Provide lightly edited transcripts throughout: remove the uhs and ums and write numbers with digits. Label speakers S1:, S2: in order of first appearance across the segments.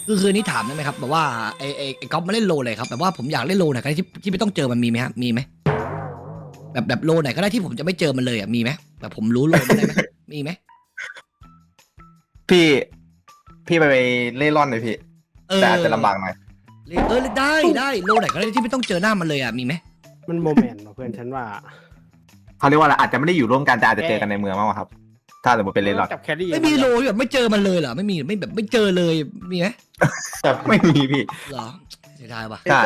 S1: คือนี้ถามได้ไหมครับแบบว่าไอ้ก๊อฟมาเล่นโลเลยครับแบบว่าผมอยากเล่นโลไหนก็ได้ที่ไม่ต้องเจอมันมีไหมครับมีไหมแบบโลไหนก็ได้ที่ผมจะไม่เจอมันเลยอ่ะมีไหมแบบผมรู้โลมันได้ไหมมีไหม
S2: พี่พี่ไปเล่ร่อนเลยพี่แต่อาจจะลำบากหน่อย
S1: ได้โลไหนก็ได้ที่ไม่ต้องเจอหน้ามันเลยอ่ะมีไหม
S3: มันโมเมนต์เพื่อนฉันว่า
S2: เขาเรียกว่าอะไรอาจจะไม่ได้อยู่ร่วมกันแต่อาจจะเจอกันในเมืองมากกว่าครับ ถ้าสมมติเป็นเล่ร่อน
S3: จับแครี่
S1: ไม่มีโลที่แบบไม่เจอมันเลยเหรอไม่มีไม่แบบไม่เจอเลยมีไหม
S2: ไม่มีพี่
S1: เหรอเสียดายว่ะ
S2: ใช่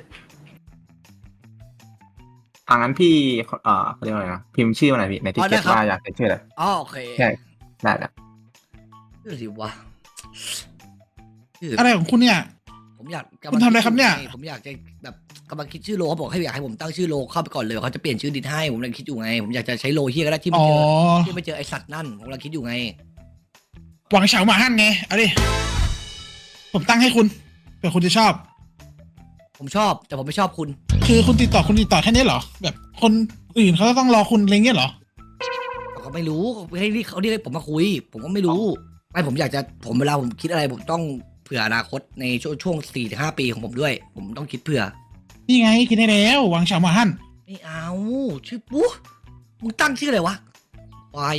S2: ทางนั้นพี่เขาเรียกว่าอะไรนะพิมพ์ชื่อมาหน่อยพี่ในทิกเก็ตว่าอยากเป็นชื่ออะไร
S1: อ๋อโอเค
S2: ใช่ได้แล้ว
S1: ชื่อสิวะชื่อ
S4: อะไรของคุณเนี่ย
S1: ผมอยาก
S4: คุณทำอะไรครับเนี่ย
S1: ผมอยากจะแบบกำลังคิดชื่อโลเขาบอกให้อยากให้ผมตั้งชื่อโลเข้าไปก่อนเลยเขาจะเปลี่ยนชื่อดินให้ผมกำลังคิดอยู่ไงผมอยากจะใช้โลเฮียก็ได้ที่ไม่
S4: อ๋อ
S1: เจอที่ไม่เจอไอสัตว์นั่นผมกำลังคิดอยู่ไง
S4: หวังเฉาหมาหั่นไงเอาดิผมตั้งให้คุณเผื่อคุณจะชอบ
S1: ผมชอบแต่ผมไม่ชอบคุณ
S4: คือคุณติดต่อแค่นี้เหรอ แบบคนอื่นเขาต้องรอคุณอะไรเงี้ยเหรอ
S1: เขาก็ไม่รู้ให้เขาเรียกผมมาคุย ผมก็ไม่รู้ไม่ผมอยากจะผมเวลาผมคิดอะไรผมต้องเผื่ออนาคตในช่วง 4-5 ปีของผมด้วย ผมต้องคิดเผื่อ
S4: นี่ไงกินได้แล้วหวังเฉาหมาหั่น
S1: ไม่เอาชื่อปุ๊มึงตั้งชื่ออะไรวะวาย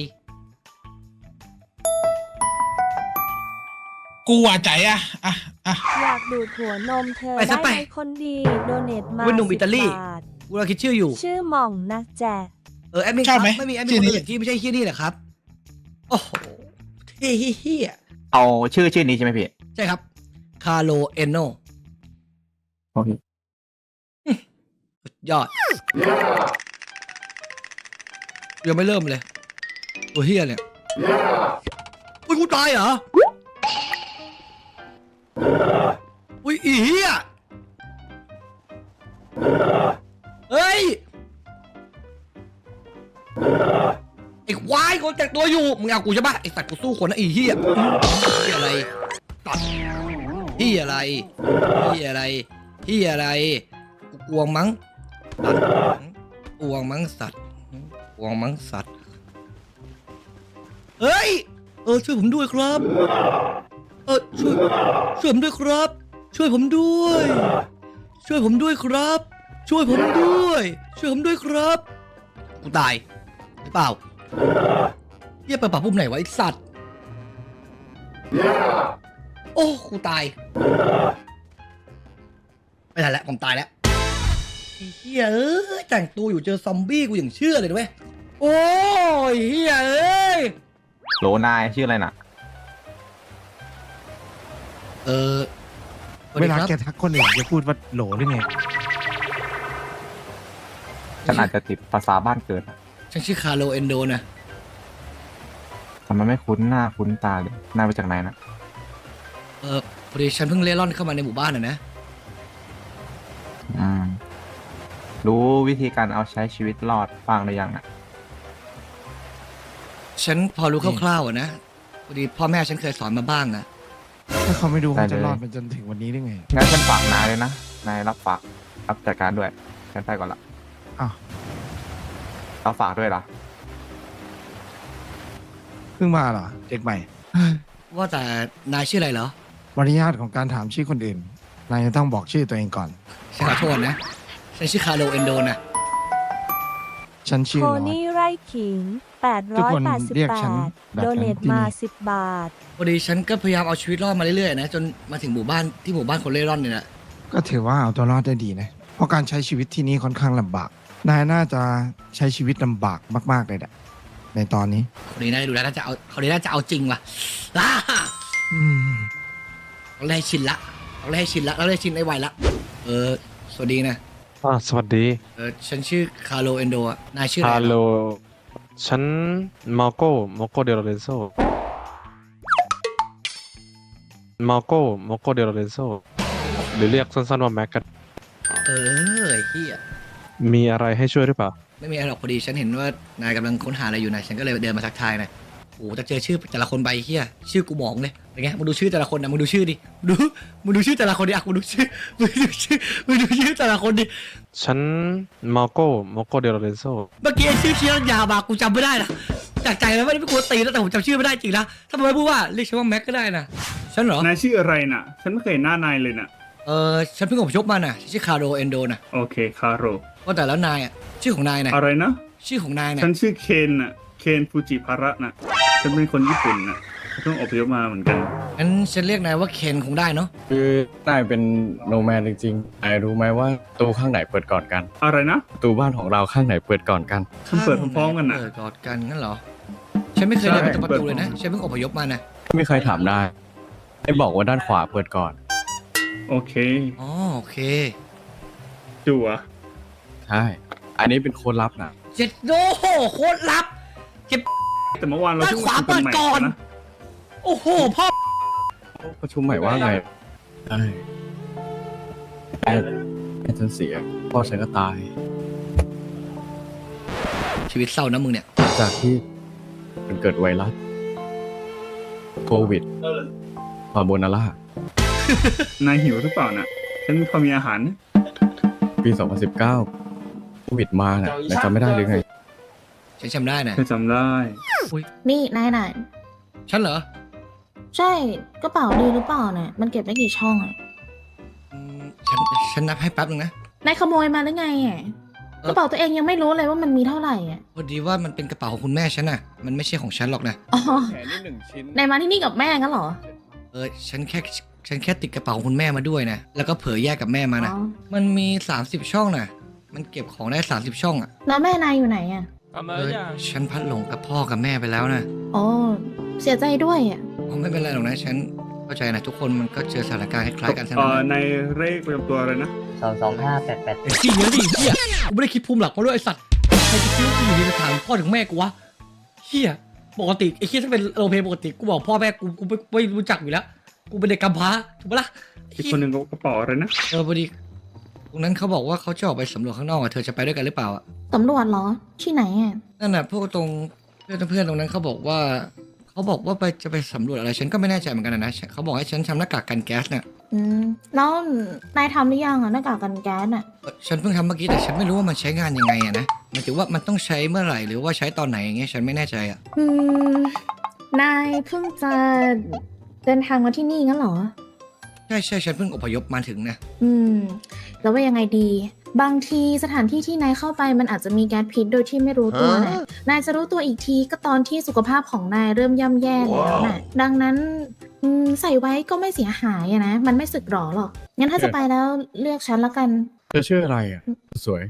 S4: กูว่าใจอ่ะ
S5: อยากดูดหัวนมเธอได้ไหมคนดีโดเนทมา10 บาท
S1: กูกำลังคิดชื่ออยู่
S5: ชื่อหม่องนะแจ๊
S1: แอดมินครับไม่มีแอดมินคนอื่นที่ไม่ใช่เฮียนี่แหละครับโอ้โหเฮีย
S2: เอาชื่อนี้ใช่ไหมพี่
S1: ใช่ครับคาร์โลเอนโน
S2: โอเค
S1: ยอดยังไม่เริ่มเลยตัวเฮียเนี่ยอุ้ยกูตายเหรออุ้ยอีเฮียเฮ้ยไอ้ควายคนแต่งตัวอยู่มึงเอากูใช่ปะไอ้สัตว์กูสู้คนนะไอ้เฮียเฮียอะไรตัดเฮียอะไรเฮียอะไรเฮียอะไรกูกวงมั้งตัดกวงมั้งสัตว์กวงมั้งสัตว์เฮ้ยช่วยผมด้วยครับช่วยผมด้วยครับ ช่วยผมด้วย ช่วยผมด้วยครับ ช่วยผมด้วย ช่วยผมด้วยครับกูตายหรือเปล่าเฮียเปิดปากปุ่มไหนวะไอสัตว์โอ้กูตายไม่ทันแล้วผมตายแล้วไอ้เฮียแต่งตัวอยู่เจอซอมบี้กูอย่างเชื่อเลยด้วยโอ้ยเฮีย
S2: โหลนายชื่ออะไรน่ะ
S6: เวลาแกทักคนอื่นจะพูดว่าโหลหรือไง
S2: ฉันอาจจะติดภาษาบ้านเกิดอะ
S1: ฉันชื่อคาร์โลเอนโดนะ
S2: ทำไมไม่คุ้นหน้าคุ้นตาเลยนายมาจากไหนนะ
S1: พอดีฉันเพิ่งเล่ร่อนเข้ามาในหมู่บ้านนะ
S2: รู้วิธีการเอาใช้ชีวิตรอดบ้างหรือยังอ่ะ
S1: ฉันพอรู้คร่าวๆอะนะพอดีพ่อแม่ฉันเคยสอนมาบ้างนะ
S6: ถ้าเขาไม่ดู
S2: ได้
S6: เขา
S2: เลย
S6: จะรอดมาจนถึงวันนี้ได้ไง
S2: งั้นฉันฝากนายเลยนะ นายรับฝากรับจัดการด้วย ฉันไปก่อนละ
S6: อ้าว
S2: เราฝากด้วยล่ะ
S6: เพิ่งมาเหรอ เด็กใหม่
S1: ว่าแต่นายชื่ออะไรเหรอ
S6: มารยาทของการถามชื่อคนอื่น นายจะต้องบอกชื่อตัวเองก่อน
S1: ฉันขอโทษนะ ฉันชื่อคาร์โลเอนโดนะ
S6: ฉันชื่อ
S5: โค
S6: ลอด
S5: นี่ไร่ขิง
S6: ทุกคนเรียกฉันแบ
S5: 888
S6: บนั้น
S5: โดเนท
S6: ที่นี่
S5: มา10 บาท
S1: พอดีฉันก็พยายามเอาชีวิตรอดมาเรื่อยๆนะจนมาถึงหมู่บ้านที่หมู่บ้านคนเล่ร่อนเนี่ยนะ
S6: ก็ถือว่าเอาตัวรอดได้ดีนะ เพราะการใช้ชีวิตที่นี่ค่อนข้างลำบาก นายน่าจะใช้ชีวิตลำบากมากๆเลยแหละในตอนนี้
S1: คนนี้น่าจะดูแล้วน่าจะเอาคนนี้น่าจะเอาจริงว่ะอ่า
S6: อืม
S1: เราได้ชินละเราได้ชินละเราได้ชินไอ้ไวละสวัสดีนะ
S7: สวัสดี
S1: ฉันชื่อคาร์โลเอนโดอะนายชื่ออะไร
S7: ฮัล
S1: เห
S7: โหล
S1: รอ
S7: ฉันมาโกเดโรเรนโซมาโกเดโรเรนโซหรือเรียกสั้นๆว่าแม็กกัน
S1: ไอ้เหี้ย
S7: มีอะไรให้ช่วยหรือเปล่า
S1: ไม่มีอะไรหรอกพอดีฉันเห็นว่านายกำลังค้นหาอะไรอยู่นะฉันก็เลยเดินมาทักทายนะโอ้แต่เจอชื่อแต่ละคนใบเฮียชื่อกูหมองเลยเป็นไงมึงดูชื่อแต่ละคนนะมึงดูชื่อดิมึงดูชื่อแต่ละคนดิอ่ะมึงดูชื่อแต่ละคนดิ
S7: ฉันมาโกเดโรเรนโซ
S1: เมื่อกี้ไอ้ชื่อเชียร์ยาวมากูจำไม่ได้นะจากใจแล้วไม่ได้ไม่ควรตีนะแต่ผมจำชื่อไม่ได้จริงนะถ้ามึงไม่พูดว่าเรียกฉันว่าแม็กก็ได้นะฉันเหรอ
S8: นายชื่ออะไรน่ะ ฉันไม่เคยเห็นหน้านายเลยน่ะ
S1: ฉันเพิ่งอพยพมาน่ะชื่อคาโรเอนโดน่ะ
S8: โอเคคาโร
S1: ว่าแต่แล้วนายอ่ะชื่อของนายน่ะ
S8: อะไรนะ
S1: ชื่อของนายน่ะ
S8: ฉันชื่อเคนน่ะ เคนฟูจิภาระน่ะ ฉันเป็นคนญี่ปุ่นน่ะเพิ่งอพยพมาเหมือนกัน
S1: งั้นฉันเรียกนายว่าเคนคงได้เนาะ
S9: คือนายเป็นโนแมนจริงๆนายรู้ไหมว่าประตูข้างไหนเปิดก่อนกัน
S8: อะไรนะ
S9: ประตูบ้านของเราข้างไหนเปิดก่อนกัน
S8: ฉันเปิดพร้อมๆกันน่ะ
S1: เปิดกอดกันงั้นเหรอฉันไม่เคยเดินไปตรงประตูเลยนะฉันเพิ่งอพยพมานะ
S9: ไม่เคยถามได้ได้บอกว่าด้านขวาเปิดก่อน
S8: โอเค
S1: อ๋อโอเค
S8: จั่ว
S9: ใช่ อันนี้เป็นโค้ดลับนะ
S1: เจ็ดโดโคตรลับเจ็บ
S8: แต่เมื่อวานเรา
S1: ด้านขวาเปิดก่อน
S8: นะ
S1: โอ้โหพ่อ
S9: ประชุมใหม่ว่าไงใช่แม่ฉันเสียพ่อฉันก็ตาย
S1: ชีวิตเศร้านะมึงเนี่ย
S9: หลังจากที่มันเกิดไวรัสโควิดคาโบนาร่าน
S8: ายหิวหรือเปล่าน่ะ ฉันพอมีอาหารนะ
S9: ปี 2019 โควิดมาน่ะนายจำไม่ได้หรือไง
S1: ฉันจำได้นะ
S8: ฉันจำได้
S10: นี่นายน่ะ
S1: ฉันเหรอ
S10: ใช่กระเป๋าดีหรือเปล่าเนี่ยมันเก็บได้กี่ช่องอ่ะ
S1: อืมฉันนับให้แป๊บนึงนะ
S10: นายขโมยมาหรือไงอ่ะ
S1: เอ่อ
S10: กระเป๋าตัวเองยังไม่รู้เลยว่ามันมีเท่าไหร่อ่ะ
S1: พอดีว่ามันเป็นกระเป๋าของคุณแม่ฉันน่ะมันไม่ใช่ของฉันหรอกนะ
S10: อ๋อ
S9: แขนนี่หนึ่งชิ้น
S10: นายมาที่นี่กับแม่งั้นเหรอ
S1: ฉันแค่ติดกระเป๋าของคุณแม่มาด้วยนะแล้วก็เผยแยกกับแม่มานะ
S10: อ๋อ
S1: มันมี30ช่องน่ะมันเก็บของได้30ช่องอ่ะ
S10: แล้วแม่นายอยู่ไหนอ่ะ
S1: ฉันพัดหลงกับพ่อกับแม่ไปแล้วนะ
S10: อ๋อเสียใจด้วยอ่ะ
S1: อ๋อไม่เป็นไรหรอกนะฉันเข้าใจนะทุกคนมันก็เจอสถานการณ์คล้ายๆกันทั้งนั้นนะ
S8: ในเลขประจำตัวอะไรนะ
S1: ไอ้ขี้เงี้ยดิเฮียกูไม่ได้คิดภูมิหลักมาด้วยไอ้สัตว์ใครจะคิดว่ากูอยู่ดีไปถามพ่อถึงแม่กูวะเฮียปกติไอ้เฮียถ้าเป็นโรลเพลย์ปกติกูบอกพ่อแม่กูไม่รู้จักอยู่แล้วกูเป็นเด็กกำพร้าถูกปะล่ะ
S8: อีกคนหนึ่งกระเป๋าอะไรนะ
S1: พอดีตรงนั้นเขาบอกว่าเขาจะออกไปสำรวจข้างนอกอะเธอจะไปด้วยกันหรือเปล่าอะ
S10: ตำรวจเหรอ ที่ไหนอ่ะ
S1: นั่นน่ะพวกตรงเพื่อนตรงนั้นเขาบอกว่าจะไปสำรวจอะไรฉันก็ไม่แน่ใจเหมือนกันนะเขาบอกให้ฉันทำหน้ากากกันแก๊สเนี่ย
S10: แล้วนายทำหรือยังอ่ะหน้ากากกันแก๊สอ่ะ
S1: ฉันเพิ่งทำเมื่อกี้แต่ฉันไม่รู้ว่ามันใช้งานยังไงอะนะหมายถึงว่ามันต้องใช้เมื่อไหร่หรือว่าใช้ตอนไหนอย่างเงี้ยฉันไม่แน่ใจอะ
S10: นายเพิ่งจะเดินทางมาที่นี่งั้นเหรอ
S1: ใช่ฉันเพิ่งอพยพมาถึงนะ
S10: แล้วว่ายังไงดี บางทีสถานที่ที่นายเข้าไปมันอาจจะมีแก๊สพิษโดยที่ไม่รู้ตัวนะนายจะรู้ตัวอีกทีก็ตอนที่สุขภาพของนายเริ่มย่ำแย่แล้วนะดังนั้นใส่ไว้ก็ไม่เสียหายอะนะมันไม่สึกหรอหรอกงั้นถ้าจะไปแล้วเรียกฉันละกัน
S9: เธอชื่ออะไรอ่ะ สวย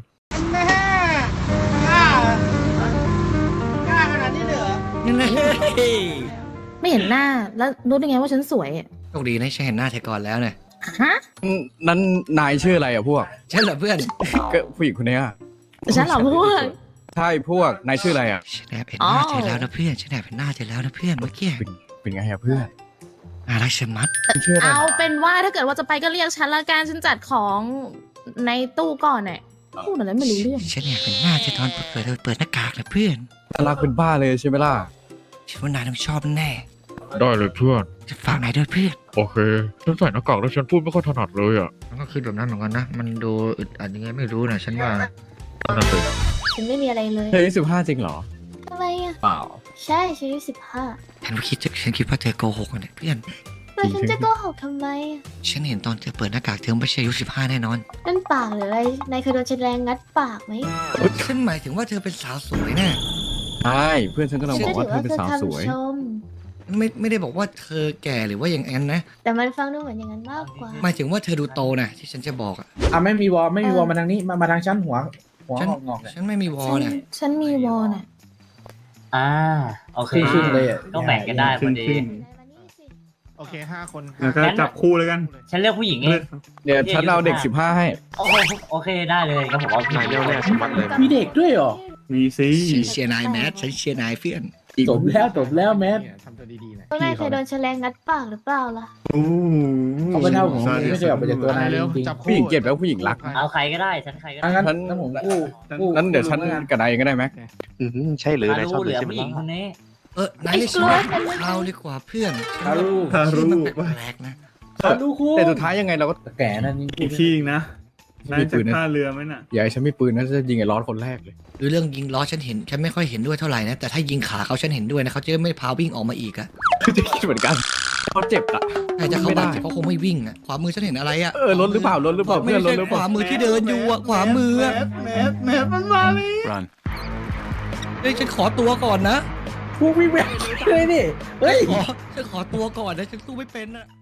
S1: นี่เลย
S10: ไม่เห็นหน้าแล้วรู้ได้ไงว่าฉันสวยอะ
S1: โชคดีนะฉันเห็นหน้าเธอก่อนแล้วเนี่ย
S10: ฮะ
S9: นั้นนายชื่ออะไรอ่ะพวก
S1: ฉันเหรอเพื่อน
S9: ก็ผู้หญิงคนเนี้ย
S10: ฉันเหรอพวก
S9: ใช่พวก นายชื่ออะไรอ่ะ
S1: ฉันแอบเห็นหน้าเธอแล้วนะเพื่อนฉันแอบเห็นหน้าเธอแล้วนะเพื่อนเมื่อกี้
S9: เป็นไงอ่ะเพื่อน
S1: น่ารักชะมัด
S9: ชื่ออะไร
S10: เอาเป็นว่าถ้าเกิดว่าจะไปก็เรียกฉันละกันฉันจัดของในตู้ก่อนเนี่ยพูดอะไรไม่รู้เรื่อง
S1: ฉันแอบเห็นหน้าเธอตอนเปิดหน้ากากนะเพื่อน
S9: น่ารักเป็นบ้าเลยใช่ไหมล่ะ
S1: ฉันว่านายต้องชอบแน่
S11: ได้เลยเพื่อน
S1: จะฝากนายด้วยเพื่อน
S11: โอเค ฉันใส่หน้ากากแล้วฉันพูดไม่ค่อยถนัดเลยอ่ะ
S1: มันก็คิดแบบนั้นเหมือนกันนะมันดูอึดอัดยังไงไม่รู้นะฉันว่า
S11: นั่นน่ะสิ
S10: ฉันไม่มีอะไรเลย
S9: เธออายุ15จริงเหรอ
S10: ทำไมอ่ะ
S9: เปล่า
S10: ใช่ฉันอายุ15
S1: ฉันคิดว่าเธอโกหกนะเนี่ยเพื่อน
S10: แล้วฉันจะโกหกทำไมอ่ะ
S1: ฉันเห็นตอนเธอเปิดหน้ากากเธอไม่ใช่อายุ15แน่นอน
S10: นั่นปากหรืออะไรนายเคยโดนฉันแรงงัดปากไหม
S1: ฉันหมายถึงว่าเธอเป็นสาวสวยนะ
S9: ใช่ เพื่อนฉันก็ลังบอกว่าเธอเป็นสาวสวย
S10: ชม
S1: ไม่ได้บอกว่าเธอแก่หรือว่าอย่างนั้นนะ
S10: แต่มันฟังดูเหมือนอย่างนั้นมากกว่า
S1: หมายถึงว่าเธอดูโตนะที่ฉันจะบอกอ่ะ
S3: ไม่มีวอลมาทางนี้มาทางชั้นหัว
S1: ฉัน
S3: งอกๆเนี่ย
S1: ฉันไม่มีวอ
S10: ฉั
S1: ล
S10: น
S1: นะ
S10: ฉันมีวอลน่ะ
S12: โอเค
S3: ครึ่งๆเลยอะ
S12: ก็แบ่งกันได้พอดี
S6: โอเค5 คน
S8: แล้วก็จับคู่เลยกัน
S12: ฉันเลือกผู้หญิงเอง
S9: เดี๋ยวฉันเอาเด็ก15ให้
S12: โอเคได้เลยก็ผมเอาผู้หญิง
S7: เดี๋ยวแรกสมัครเลย
S3: มีเด็กด้วยเหรอ
S8: มีสิ
S1: ฉันเชียร์นายแมทฉันเชียร์นายเพื่อน
S3: จบแล้วแมท
S6: ทำตัวดีๆหน่อย
S10: นายเคยโดนฉันแรงงัดปากหรือเปล่าล่ะ
S8: โอ้โห
S3: เขาไม่เท่าผมไม่เคยออกไปจากตัวนาย
S6: เร็ว
S3: จริง
S6: จับ
S9: ผู้หญิงเกลียดแล้วผู้หญิงรัก
S12: เอาใครก็ได้ฉันใครก็
S3: ๆ
S12: ได้
S3: งั้น
S9: ฉัน
S3: งั้นผมกู้
S9: นั้นเดี๋ยวฉันกับนายก็ได้ไหม
S7: ใช่หรือ
S12: มา
S7: นายชอบ
S12: รู้เหลือ
S7: ใช่ไหม
S12: ผู้หญิงคนนี้
S1: นายเรียกฉันว่าคาวดีกว่าเพื่อน
S3: คารู
S1: ชื่อมันแปลกๆนะ
S3: ดูคู่
S9: แต่สุดท้ายยังไงเราก็
S3: แก่นั่นจริง
S8: อีกทีอีกนะนายจะท่าเรือไหมน่ะ
S9: อย่าให้ฉันมีปืนนะจะยิงไอ้ร้อนคนแรกเลย
S1: คือเรื่องยิงล้อฉันไม่ค่อยเห็นด้วยเท่าไหร่นะแต่ถ้ายิงขาเขาฉันเห็นด้วยนะเขาจะไม่พาวิ่งออกมาอีกอะ
S9: จะคิดเหมือนกันเขาเจ็บอ่ะ
S1: ใครจะเข้าบาดเจ็บเขาคงไม่วิ่งอ่ะขวามือฉันเห็นอะไรอ่ะ
S9: รถหรือเปล่ารถหรือเปล่า
S1: ไม่
S9: เพื่อนรถ
S1: ใช่
S9: หรือ
S1: ข
S9: เปล่าว
S1: ามือที่เดินอยู่อ่ะขวามืออ่ะ
S8: แมสมันมาเลย
S11: รัน
S1: เฮ้ยฉันขอตัวก่อนนะ
S3: พวกวิ่งแหวกเลยดิเฮ้ย
S1: ฉันขอตัวก่อนนะฉันสู้ไม่เป็นอ่ะ